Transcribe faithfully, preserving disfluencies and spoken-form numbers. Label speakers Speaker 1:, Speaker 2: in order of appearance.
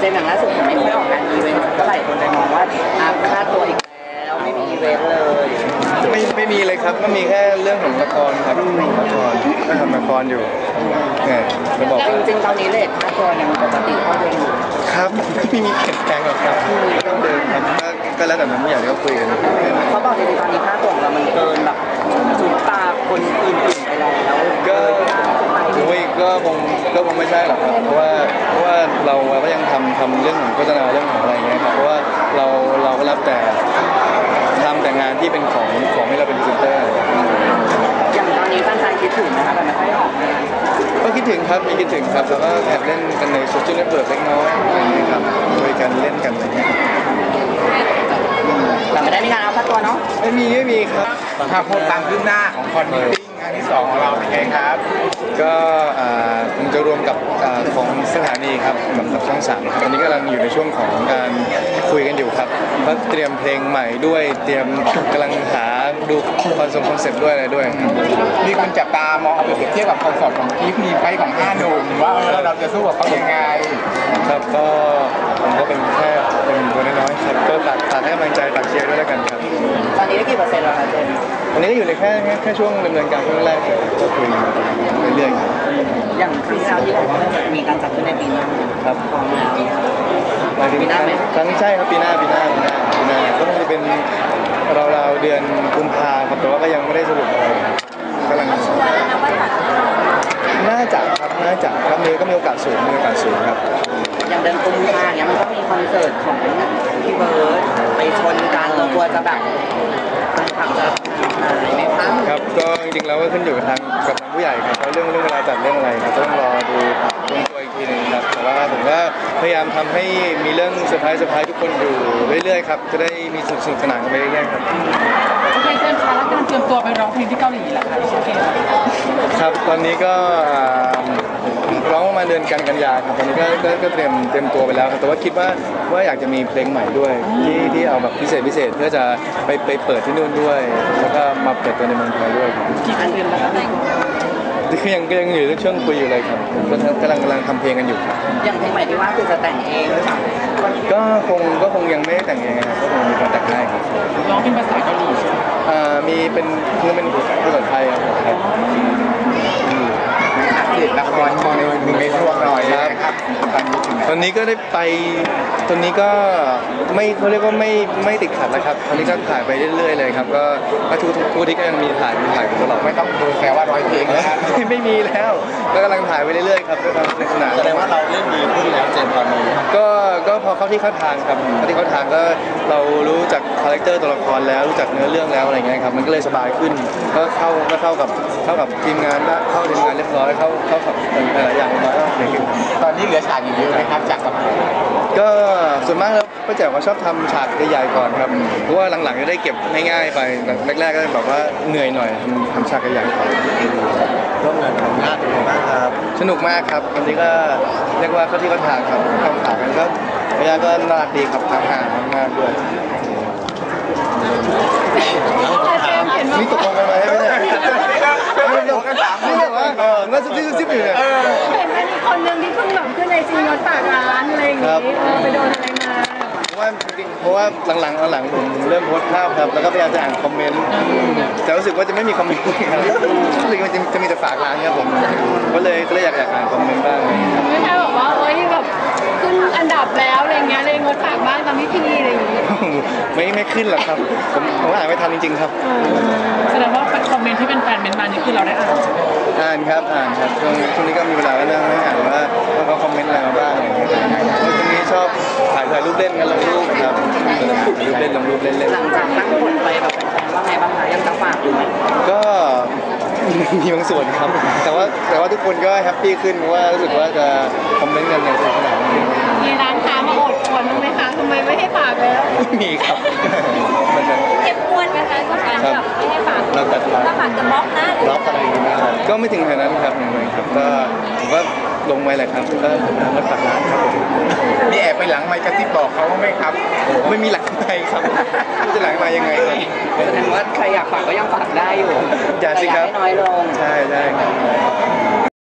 Speaker 1: จมอย่างล่าสุดไม่ค่อยออกงานอีเวนต์ก็หลายคนเลยมองว่าอาค่าตัวอีกแล้วไม่มีอีเวนต์เลย
Speaker 2: ไม่ไม่มีเลยครับก็มีแค่เรื่องของละครครับละครก็ทำละครอยู่เนี่ยจะบอก
Speaker 1: จริงๆตอนนี้เลทค่าตัวยังปกติเท่าเดิมอยู่
Speaker 2: ครับไม่มีเปลี่ยนแปลงหรอกครับเท่าเดิมครับก็แล้วแต่นั้นไม่อยากให้เขาคุยกัน
Speaker 1: เขาบอกจริงๆตอนนี้ค่าตัวของเรามันเกินแบบสุดตาคนอื่นๆไปแล้ว
Speaker 2: ก็โอ้ยก็คงก็คงไม่ใช่หรอกครับเพราะว่าเพราะว่าเราก็ยังทำทำเรื่องของโฆษณาเรื่องของอะไรเงี้ยครับเพราะว่าเราเราก็รับแต่ทำแต่งานที่เป็นของของให้เราเป็นพรีเซนเตอร์
Speaker 1: อย่างตอนนี้แฟนๆคิดถึงนะคะแต่ไม่ค่อยออก
Speaker 2: ก็คิดถึงครับมีคิดถึงครับแล้วก็แอบเล่นกันในโซเชียลเน็ตเวิร์กเล็กน้อยอะไรเงี้ยครับคุยกันเล่นกันอะไรเงี้ย
Speaker 1: แต่ไม่ได้มีการเอาค่าตัวเนาะ
Speaker 2: ไม่มีไม่มีครับ
Speaker 3: ถ้าพูดตามขึ้นหน้าของคอนมิติ้งงานที่สองของเราเป็นไงครับ
Speaker 2: ก็คงจะรวมกับของสถานีครับกับช่องสามตอนนี้กำลังอยู่ในช่วงของการคุยกันอยู่ครับก็เตรียมเพลงใหม่ด้วยเตรียมกำลังหาดูคอนเซ็ปต์คอนเซ็ปต์ด้วยอะไรด้วย
Speaker 3: มีคนจับตามองเอาไปเปรียบเทียบกับคอนเซ็ปต์ของกีฟมีไฟของห้าหนุ่มว่าเราจะสู้กับเขายังไง
Speaker 2: ครับก็ผมก็เป็นแค่เป็นตัวน้อยๆครับก็ฝากฝากให้กำลังใจฝากเชียร์ด้วยแล้วกันครับ
Speaker 1: ตอนนี้ได้กี่เปอร์เซ็นต์แล้วคะเจน
Speaker 2: ตอนนี้ก็อยู่ในแค่แค่ช่วงดำเนินการช่วงแรกก็คุยเรื่อย
Speaker 1: ๆอย่างครั้งที่แล้วที่บอกว่าจะมีการจัดขึ้นในปีหน้า
Speaker 2: ครับ
Speaker 1: ของเรา
Speaker 2: ปีหน้าไหมครั้งใช่ครับปีหน้าปีหน้าปีหน้าปีหน้าก็คงจะเป็นราวๆเดือนกุมภาครับแต่ว่าก็ยังไม่ได้สรุปอะไรกำลังน่าจะครับน่าจะครับมีก็มีโอกาสสูงมีโอกาสสูงครับ
Speaker 1: อย่างเดือนกุมภาเนี้ยมันก็มีคอนเสิร์ตของพี่เบิร์ดไปชนกันเรากลัวจะแบบขับจะหายไหมคะ
Speaker 2: ครับก็จริงๆแล้วก็ขึ้นอยู่กับทางกับทางผู้ใหญ่ครับเพราะเรื่องเรื่องเวลาจัดเรื่องอะไรครับต้องรอดูลงตัวอีกทีหนึ่งครับแต่ว่าผมก็พยายามทำให้มีเรื่องเซอร์ไพรส์เซอร์ไพรส์ทุกคนอยู่เรื่อยๆครับจะได้มีสนุกสนุกสนานกันไปเรื่อยๆครับ
Speaker 4: โอเคเจมส์คะแล้วการเตรียมตัวไปร้องเพลงที่เกาหลีล่ะคะดิฉันเอง
Speaker 2: ครับตอนนี้ก็ร้องประมาณเดือนกันกันยาครับตอนนี้ก็ก็เตรียมเตรียมตัวไปแล้วครับแต่ว่าคิดว่าว่าอยากจะมีเพลงใหม่ด้วยที่ที่เอาแบบพิเศษพิเศษเพื่อจะไปไปเปิดที่นู่นด้วยแล้วก็มาเปิดตัวในเมืองไทยด้วย
Speaker 1: กี่อันเดือนแล้วครับ
Speaker 2: คือยังยังอยู่ในช่วงคุยอยู่เลยครับก็กำลังกำลังทำเพลงกันอยู่ครับ
Speaker 1: อย่างเพลงใหม่ที่ว่าคือจะแต่งเองหรือเปล่า
Speaker 2: ก็คงก็คงยังไม่ได้แต่งเองครับก็คงมีคนแต่งให้ครับ
Speaker 4: ร้องเป็นภาษาเกาหลีใช่ไหม
Speaker 2: อ่ามีเป็นคือเป็นภาษาไทยครับ
Speaker 3: ติดละครมองในหนึ่งในช่วงหน่อยนะครับตอนนี้ถึง
Speaker 2: ตอนนี้ก็ได้ไปตอนนี้ก็ไม่เขาเรียกว่าไม่ไม่ติดขัดแล้วครับตอนนี้ก็ถ่ายไปเรื่อยๆเลยครับก็ทุกทุกที่ก็ยังมีถ่ายมีถ่ายตลอด
Speaker 3: ไม่ต้องดูแค่ว่าร้อยเพลงแล้ว
Speaker 2: ไม่มีแล้วก็กำลังถ่ายไปเรื่อยๆครับด้วยความสนุกสนาน
Speaker 3: แสดงว่าเราเล่นดีขึ้นแล้วเจนตอนนี้
Speaker 2: ก็ก็พอเข้าที่เข้าทางครับเข้าที่เข้าทางก็เรารู้จักคาแรคเตอร์ตัวละครแล้วรู้จักเนื้อเรื่องแล้วอะไรเงี้ยครับมันก็เลยสบายขึ้นก็เข้าก็เข้ากับเข้ากับทีมงานได้เข้าทีมงานเรียบร้อยเข้าเข้ากับหลายอย่างมาแล้วเลยขึ้น
Speaker 3: ตอนนี้เหลือฉากอีกเยอะไหมครับจากกับ
Speaker 2: ก็ส่วนมากแล้วป้าแจ๋วเขาชอบทำฉากใหญ่ๆก่อนครับเพราะว่าหลังๆจะได้เก็บง่ายๆไปแรกๆก็แบบว่าเหนื่อยหน่อยทำฉากใหญ่ๆก่อน
Speaker 3: ร่วมงานกับงานเป็นไงบ้างครับ
Speaker 2: สนุกมากครับวันนี้ก็เรียกว่าเข้าที่เข้าทางครับเข้าทางกันก็พยาก็น่ารักดีครับทางห่างมากด้วยนี่ตกลงกันไหมไม่ได้ไม่ได้กันสามนี่แบบว่าเออน่าซุบซิบซุบซิบอยู่เนี่ย
Speaker 4: เห็นเป็นคนหนึ่งที่เพิ่งแบบขึ้นในซีนรถฝากร้านอะไรอย่างงี้ไปโดนอะไรมา
Speaker 2: เพราะว่าจริงเพราะว่าหลังๆหลังผมเริ่มโพสต์ภาพครับแล้วก็พยายามจะอ่านคอมเมนต์แต่รู้สึกว่าจะไม่มีคอมเมนต์ครับรู้สึกว่าจะจะมีแต่ฝากร้านครับผมก็เลยก็เลยอยากอยากอ่านคอมเมนต์บ้าง
Speaker 4: ไม่ใช่บอกว่าเอ้ยแบบขึ้นอันดับแล้วอะไรเงี้ยเลยงดฝากบ้างตามพิธีอะไรอย่างงี้
Speaker 2: ไม่ไม่ขึ้นหรอกครับผมผมอ่านไม่ทันจริงๆครับ
Speaker 4: แสดงว่าคอมเมนต์ที่เป็นแฟนเมนต์มานี่คือเราได้อ่าน
Speaker 2: อ่านครับอ่านครับช่วงช่วงนี้ก็มีเวลาแล้วนั่งอ่านว่าเขาคอมเมนต์อะไรมาบ้างอะไรอย่างเงี้ยช่วงนี้ชอบถ่ายถ่ายรูปเล่นกันลงรูปครับรูปเล่นลงรูปเล่นเล่น
Speaker 1: หลังจากตั้งผลไปแบบว่าไงบ้างคะยังจะฝากอยู่ไหม
Speaker 2: ก็มีบางส่วนครับแต่ว่าแต่ว่าทุกคนก็แฮปปี้ขึ้นเพราะว่ารู้สึกว่าจะคอมเมนต์กันอย่างสนุกสนาน
Speaker 4: มีร้านค้ามาอดทนไหมคะทำไมไม่ให้ฝากแล้ว
Speaker 2: ไม่มีครับมันจะ
Speaker 4: เจ็บปวดไหมคะกับการแบบไม่ให้ฝาก
Speaker 2: เราตัด
Speaker 4: ถ้าฝากจะบล็อกนะ
Speaker 2: บล็อกอะไรอย่างเงี้ยก็ไม่ถึงขนาดนั้นครับอย่างไรครับก็ผมก็ลงไว้แหละครับก็ไม่ฝากร้านครับ
Speaker 3: มีแอบไปหลังไมค์กระซิบบอกเขาไหมครับ
Speaker 2: ไม่มีหลังไมค์ครับจะหลังมายังไง
Speaker 1: แสดงว่าใครอยากฝากก็ยังฝากได้อยู่
Speaker 2: อย่าสิครับ
Speaker 1: น้อยลง
Speaker 2: ใช่ใช่ครับ